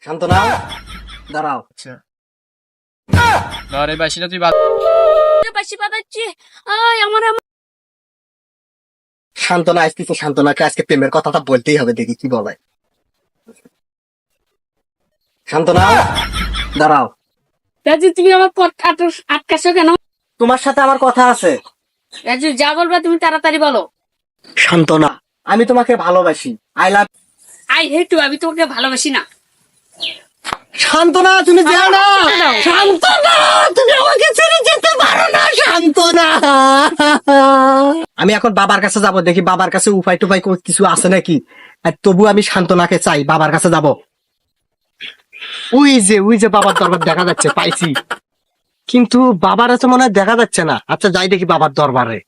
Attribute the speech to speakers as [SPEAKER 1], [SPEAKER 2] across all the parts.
[SPEAKER 1] শান্তনা, দাঁড়াও।
[SPEAKER 2] আচ্ছা ধর এই বাসিটা তুই
[SPEAKER 3] বাসি বাজাচ্ছি। আয় আমার
[SPEAKER 1] শান্তনা আসতেছে, শান্তনাকে আজকে প্রেমের কথাটা বলতেই হবে, দেখি কি বলে। শান্তনা, দাঁড়াও।
[SPEAKER 3] রাজু, তুমি আমার পথ আটকাছো কেন?
[SPEAKER 1] তোমার সাথে আমার কথা আছে।
[SPEAKER 3] রাজু, যা বলবা তুমি তাড়াতাড়ি বলো।
[SPEAKER 1] শান্তনা, আমি তোমাকে ভালোবাসি। I love.
[SPEAKER 3] I hate you, আমি তোমাকে ভালোবাসি না।
[SPEAKER 1] শান্তনা, তুমি যাও না। শান্তনা, তুমি আমাকে ছেড়ে যেতে পারো না। শান্তনা, আমি এখন বাবার কাছে যাব, দেখি বাবার কাছে উপায় টুপায় কিছু আছে নাকি। আর তবু আমি শান্তনাকে চাই, বাবার কাছে যাব। ওই যে বাবার দরবার দেখা যাচ্ছে, পাইছি। কিন্তু বাবার আছে মনে হয় দেখা যাচ্ছে না। আচ্ছা যাই দেখি বাবার দরবারে।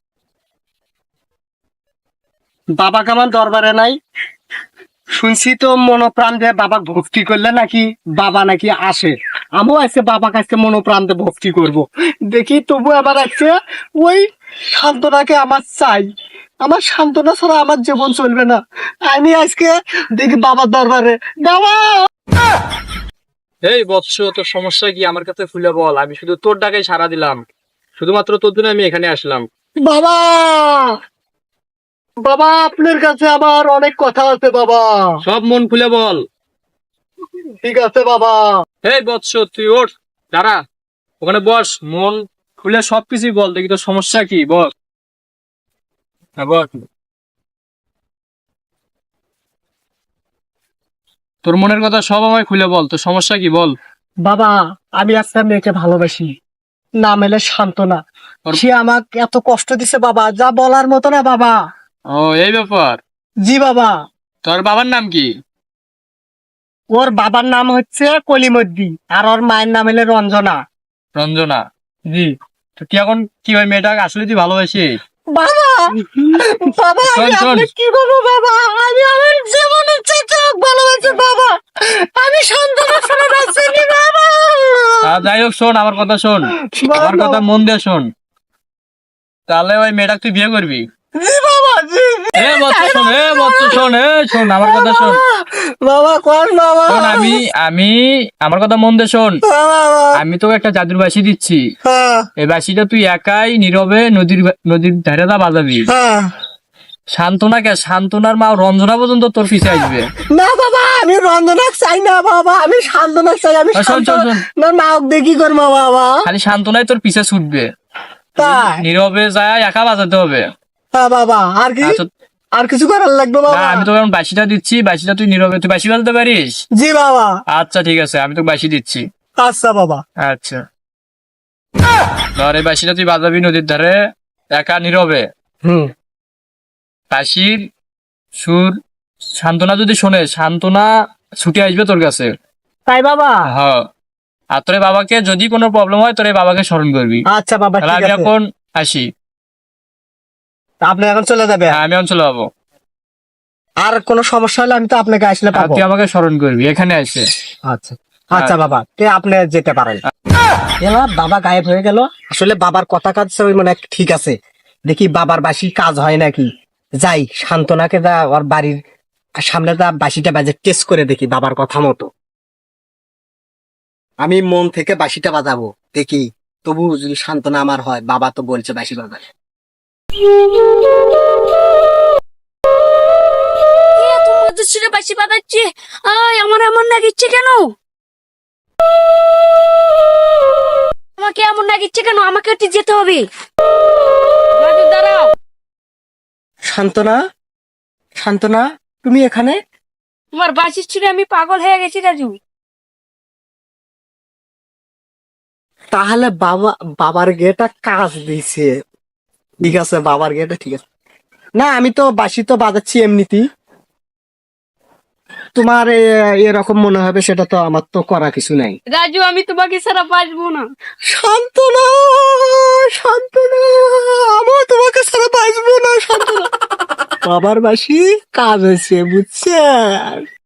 [SPEAKER 1] বাবা কেমন দরবারে নাই। শুনছি তো মনোপ্রাণ দিয়ে বাবা ভক্তি করলে নাকি বাবা নাকি আসে। আমিও আজকে বাবা কাছে মনোপ্রাণ দিয়ে ভক্তি করব। দেখি তবু আবার আছে ওই শান্তনাকে আমার চাই। আমার শান্তনা ছাড়া আমার জীবন চলবে না। আমি আজকে দেখি বাবার দরবারে। বাবা,
[SPEAKER 2] এই বৎস, তোর সমস্যা কি আমার কাছে খুলে বল। আমি শুধু তোর ডাকে সাড়া দিলাম, শুধুমাত্র তোর জন্য আমি এখানে আসলাম।
[SPEAKER 1] বাবা, বাবা, আপনার কাছে আমার অনেক কথা আছে বাবা।
[SPEAKER 2] সব মন খুলে বল।
[SPEAKER 1] ঠিক আছে বাবা।
[SPEAKER 2] এই বৎস, তুই ওঠ, দাঁড়া, ওখানে বস, মন খুলে সবকিছুই বল। দেখি তোর সমস্যা কি, বল। হ্যাঁ বল, তোর মনের কথা সব আমায় খুলে বল। তোর সমস্যা কি বল।
[SPEAKER 1] বাবা, আমি একটা মেয়েকে ভালোবাসি, নাম এলে শান্তনা। সে আমাকে এত কষ্ট দিছে বাবা, যা বলার মতো না বাবা।
[SPEAKER 2] ও, এই ব্যাপার।
[SPEAKER 1] জি বাবা।
[SPEAKER 2] তোর বাবার নাম কি?
[SPEAKER 1] ওর বাবার নাম হচ্ছে কলিমদ্দি, আর ওর মায়ের নাম হলে রঞ্জনা।
[SPEAKER 2] রঞ্জনা? জি। তো তুই এখন কি ওই মেয়েটাকে আসলে তুই ভালোবাসিস?
[SPEAKER 1] বাবা, বাবা,
[SPEAKER 2] শোন,
[SPEAKER 1] আমি
[SPEAKER 2] শোন।
[SPEAKER 1] আপনাকে কি বলবো বাবা, আমি আমার জীবনের চেয়ে ভালোবাসি বাবা। আমি শান্তনা ছাড়া বাঁচিনি বাবা।
[SPEAKER 2] যাই হোক, শোন আমার কথা, শোন আমার কথা মন দিয়ে শোন। তাহলে ওই মেয়েটাকে তুই বিয়ে করবি?
[SPEAKER 1] জি বাবা, জি।
[SPEAKER 2] এ বৎস শোন, শোন, শোন আমার কথা শোন।
[SPEAKER 1] বাবা কোন বাবা?
[SPEAKER 2] শোন, আমি আমার কথা মন দিয়ে শোন। আমি তোকে একটা জাদুর বাঁশি দিচ্ছি। এই বাঁশিটা তুই একাই নীরবে নদীর ধারে দা বাজাবি। শান্তনার মা রঞ্জনা পর্যন্ত তোর পিছে আসবে।
[SPEAKER 1] না বাবা, আমি রঞ্জনা চাই না বাবা, আমি শান্তনা চাই। আমি
[SPEAKER 2] শোন, শোন, শোন।
[SPEAKER 1] মা দেখি করবো বাবা।
[SPEAKER 2] খালি শান্তনাই তোর পিছে ছুটবে।
[SPEAKER 1] তাই?
[SPEAKER 2] নীরবে যায় একা বাজাতে হবে।
[SPEAKER 1] হ্যাঁ বাবা, আর কি?
[SPEAKER 2] আচ্ছা,
[SPEAKER 1] আর কিছু করার লাগবে
[SPEAKER 2] না,
[SPEAKER 1] বাবা?
[SPEAKER 2] আমি তোকে এখন বাঁশিটা দিচ্ছি। বাঁশিটা তুই নীরবে, তুই বাঁশি বাজাতে পারিস?
[SPEAKER 1] জি বাবা।
[SPEAKER 2] আচ্ছা ঠিক আছে, আমি তোকে বাঁশি দিচ্ছি।
[SPEAKER 1] আচ্ছা বাবা।
[SPEAKER 2] আচ্ছা ধর এই বাঁশিটা তুই বাজাবি নদীর ধারে একা নীরবে। বাঁশির সুর শান্তনা যদি শোনে, শান্তনা ছুটে আসবে তোর কাছে।
[SPEAKER 1] তাই বাবা?
[SPEAKER 2] হ্যাঁ। আর তোর এই বাবাকে যদি কোনো প্রবলেম হয়, তোর এই বাবাকে স্মরণ করবি।
[SPEAKER 1] আচ্ছা বাবা,
[SPEAKER 2] তাহলে
[SPEAKER 1] ঠিক
[SPEAKER 2] আমি
[SPEAKER 1] আছে।
[SPEAKER 2] এখন আসি।
[SPEAKER 1] আপনি এখন চলে যাবে?
[SPEAKER 2] হ্যাঁ, আমি এখন চলে যাবো।
[SPEAKER 1] আর কোনো সমস্যা হলে আমি তো আপনাকে আসলে
[SPEAKER 2] আর
[SPEAKER 1] পাবো।
[SPEAKER 2] তুই আমাকে স্মরণ করবি এখানে আসে।
[SPEAKER 1] আচ্ছা আচ্ছা বাবা, আপনি যেতে পারেন। এলা বাবা গায়েব হয়ে গেল। আসলে বাবার কথা কাজ ওই মানে ঠিক আছে, দেখি বাবার বাসি কাজ হয় নাকি। যাই শান্তনাকে যা ওর বাড়ির সামনে যা বাসিটা বাজে টেস্ট করে দেখি বাবার কথা মতো। আমি মন থেকে বাসিটা বাজাবো, দেখি তবু যদি শান্তনা আমার হয়। বাবা তো বলছে বাসি বাজায়।
[SPEAKER 3] তুমি বাসি বাজাচ্ছি। আয় আমার এমন নাগিচ্ছে কেন? আমাকে এমন নাগিচ্ছে কেন? আমাকে একটু যেতে হবে। রাজু, দাঁড়াও।
[SPEAKER 1] শান্তনা, শান্তনা, তুমি এখানে?
[SPEAKER 3] তোমার বাসির ছিঁড়ে আমি পাগল হয়ে গেছি রাজু।
[SPEAKER 1] তাহলে বাবার গেটা কাজ দিছে। ঠিক আছে, বাবার গেটা ঠিক আছে। না, আমি তো বাঁশি তো বাজাচ্ছি এমনিতেই। তোমার এরকম মনে হবে, সেটা তো আমার তো করা কিছু নাই।
[SPEAKER 3] রাজু, আমি তোমাকে ছাড়া বাঁচবো না।
[SPEAKER 1] শান্তনা, শান্তনা, আমিও তোমাকে ছাড়া বাঁচবো না শান্তনা। বাবার বাঁশি কাজ হয়েছে, বুঝছেন?